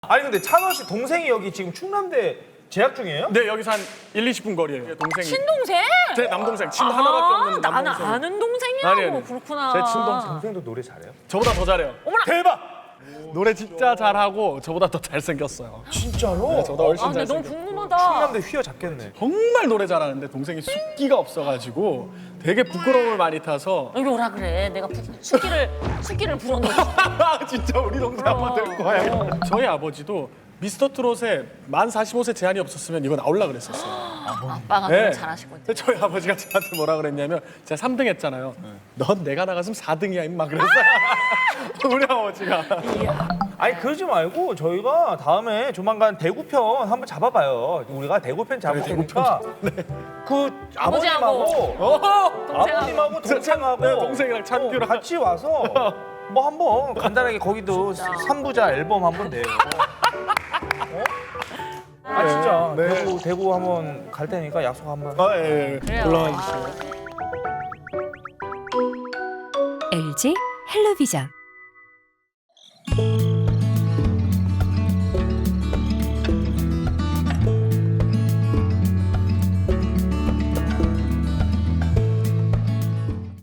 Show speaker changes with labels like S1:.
S1: 아니 근데 찬원 씨 동생이 여기 지금 충남대 재학 중이에요?
S2: 네, 여기서 한 1, 20분 거리예요. 동생이.
S3: 친동생?
S2: 제 남동생. 친 하나밖에 없는
S3: 나는
S2: 남동생.
S3: 아는 동생이라고.
S2: 아니.
S3: 그렇구나.
S2: 제 친동생.
S1: 동생도 노래 잘해요?
S2: 저보다 더 잘해요.
S3: 어머나.
S1: 대박!
S2: 노래 진짜 잘하고 저보다 더 잘생겼어요.
S1: 진짜로?
S2: 저보다 훨씬
S3: 근데 너무
S2: 잘생겼어요.
S3: 궁금하다.
S1: 충남대 휘어잡겠네.
S2: 정말 노래 잘하는데 동생이 숫기가 없어가지고 되게 부끄러움을 많이 타서
S3: 여기 오라 그래. 내가 숫기를 불어넣어.
S2: 진짜 우리 동생 한번 데리고 와요. 저희 아버지도 미스터 트롯에 만 45세 제한이 없었으면 이거 나올라 그랬었어요.
S3: 아빠가 노래 잘하시거든.
S2: 근데 저희 아버지가 저한테 뭐라 그랬냐면 제가 3등 했잖아요. 넌 내가 나갔으면 4등이야 임마 그랬어요. 우리 아버지가.
S1: 아니 그러지 말고 저희가 다음에 조만간 대구편 한번 잡아봐요. 우리가 대구편 잡을 테니까 그 아버님하고 아버님하고 동생하고
S2: 네, 동생이랑 찬규랑
S1: 같이 와서 뭐 한번 간단하게 거기도 3부자 앨범 한번 내요. 어? 아 진짜
S2: 네.
S1: 대구 한번 갈 테니까 약속 한번.
S2: 아, 예, 예.
S3: 그래요.
S2: 올라와 주세요.
S4: LG 헬로비전